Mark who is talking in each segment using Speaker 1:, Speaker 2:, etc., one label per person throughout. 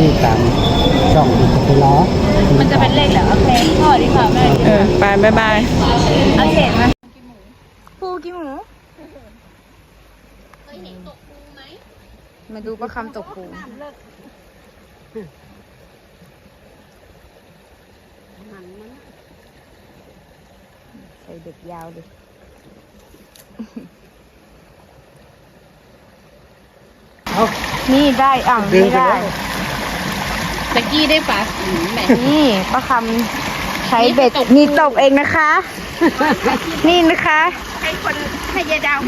Speaker 1: ที่ตามช่องที่จะไปล้อ
Speaker 2: มันจะเป็นเลขเหรอโอเคพ่อดีกว่าแม่ดีกว่า
Speaker 3: ไปบ๊ายบาย
Speaker 2: เอาเศษมาปูกี่หมูเคยเห็นตกปูไหมมาดูประคำตกปูใส่เด็กยาวดินี่ได้ไม่ได้ตะกี้ได้ปลาแบบนี่ป้าคำใช้เบ็ดนี่ตกเองนะคะ นี่นะคะให้ยายดาว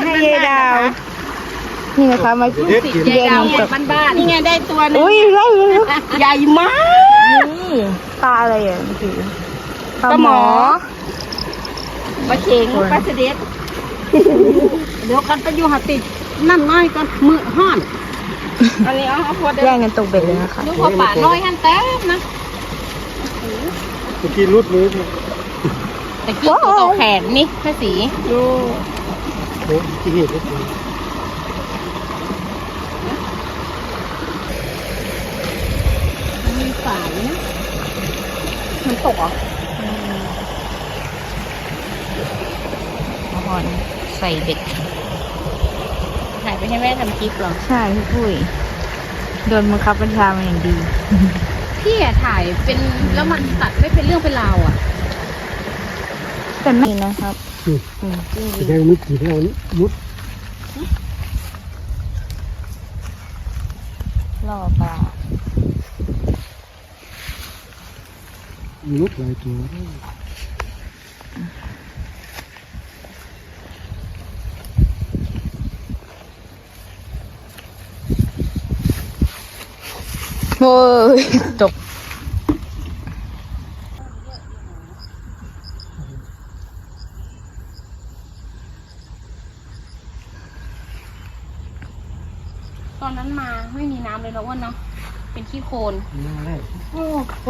Speaker 2: นี่นะคะมาเรียนตก
Speaker 3: บ้านนี่ไงได้ตัวนึง
Speaker 2: อุ้ยได้เลย
Speaker 3: ใหญ่มาก
Speaker 2: นี่ปลาอะไรอ่ะคือปลาหมอ
Speaker 3: ปลาเข็งปลาเสด็จเดี๋ยวกันไปอยู่หาติดนั่นน้อยกันมือห้อนอันนี้เอาพอได้
Speaker 2: แย่งกันตกเบ็ดเลยนะคะ
Speaker 3: ลูกพอป่าน้อยหันแต้มนะ
Speaker 1: เมื่อกี้รุดเลย
Speaker 3: ตะกี้ตัวแขนนี่ภาษีดู
Speaker 1: โอ้ที่เห็นก็คือ
Speaker 3: มีฝายนะมันตกอ่ะ
Speaker 2: หอนใส่เบ็ด
Speaker 3: ถ่ายไปให้แม่ทำคลิปหรอ
Speaker 2: ใช่พี่ปุ้ยโดนบังคับบัญชามาอย่างดี
Speaker 3: พี่อะถ่ายเป็นแล้วมันตัดไม่เป็นเรื่องเป็นราวอ่ะ
Speaker 2: แต่ไม่นะครับ
Speaker 1: แสดงไม่กี่เรามุด
Speaker 2: ล่อปลา
Speaker 1: มุดหลายตัว
Speaker 2: โอ้ยตก
Speaker 3: ตอนนั้นมาไม่มีน้ำเลยนะอ้วนเนาะเป็นขี้โคลน
Speaker 1: มาได้
Speaker 3: โอ้โห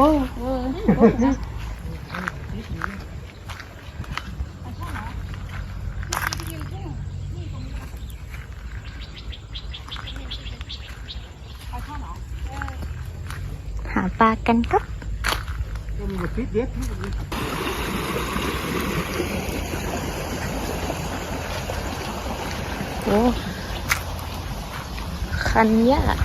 Speaker 2: หาปลากันครับ
Speaker 1: ก็มีฟิตเด็ด
Speaker 2: โอ้คันยาก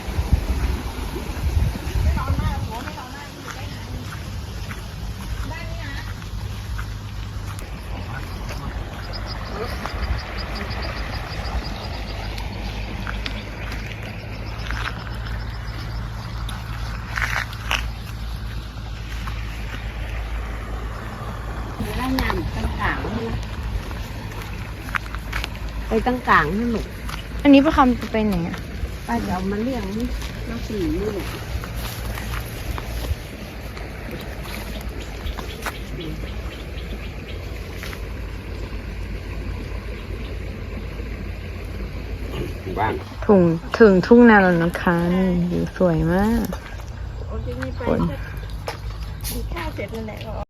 Speaker 3: ไล่งานตั้งกลางไปตั้งกลางให้หนุก
Speaker 2: อันนี้ประคำจะไปไหนอ่ะ
Speaker 3: ป้าเดี๋ยวมาเลี้ยงน้องสี่นี่ลูก
Speaker 1: บ้าน
Speaker 2: ถึงทุ่งนาแล้วนะคะนี่วิวสวยมาก
Speaker 3: โอ้ยไม่ไป
Speaker 2: ฝน
Speaker 3: กินข้าวเสร็จนั่นแหละ